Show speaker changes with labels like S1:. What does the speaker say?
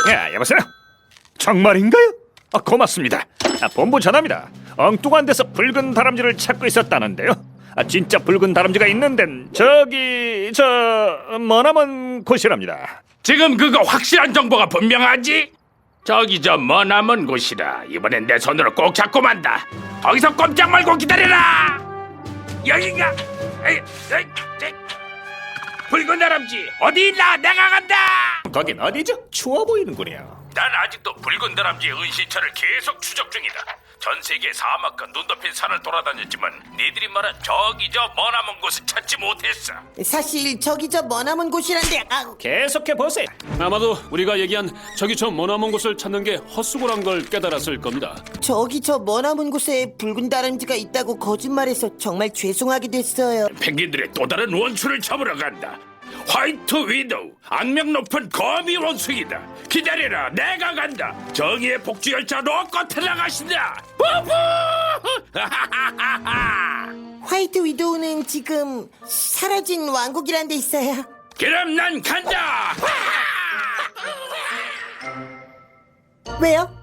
S1: 여보세요? 정말인가요? 고맙습니다. 본부 전화입니다. 엉뚱한 데서 붉은 다람쥐를 찾고 있었다는데요. 진짜 붉은 다람쥐가 있는 데는 저기 머나먼 곳이랍니다.
S2: 지금 그거 확실한 정보가 분명하지? 저기 저 머나먼 곳이라. 이번엔 내 손으로 꼭 잡고 만다. 거기서 꼼짝 말고 기다려라. 여긴가? 에이. 붉은 다람쥐 어디 있나? 내가 간다.
S1: 거긴 어디죠? 추워 보이는군요.
S2: 난 아직도 붉은 다람쥐의 은신처를 계속 추적 중이다. 전 세계 사막과 눈 덮인 산을 돌아다녔지만 니들이 말한 저기 저 머나먼 곳을 찾지 못했어.
S3: 사실 저기 저 머나먼 곳이란데.
S1: 계속해보세요.
S4: 아마도 우리가 얘기한 저기 저 머나먼 곳을 찾는 게 헛수고란 걸 깨달았을 겁니다.
S3: 저기 저 머나먼 곳에 붉은 다람쥐가 있다고 거짓말해서 정말 죄송하게 됐어요.
S2: 펭귄들의 또 다른 원수를 잡으러 간다. 화이트 위도우, 악명 높은 거미 원숭이다. 기다려라, 내가 간다. 정의의 복주 열차 놓고 탈락하신다. 부부!
S3: 화이트 위도우는 지금 사라진 왕국이란 데 있어요.
S2: 그럼 난 간다.
S3: 왜요?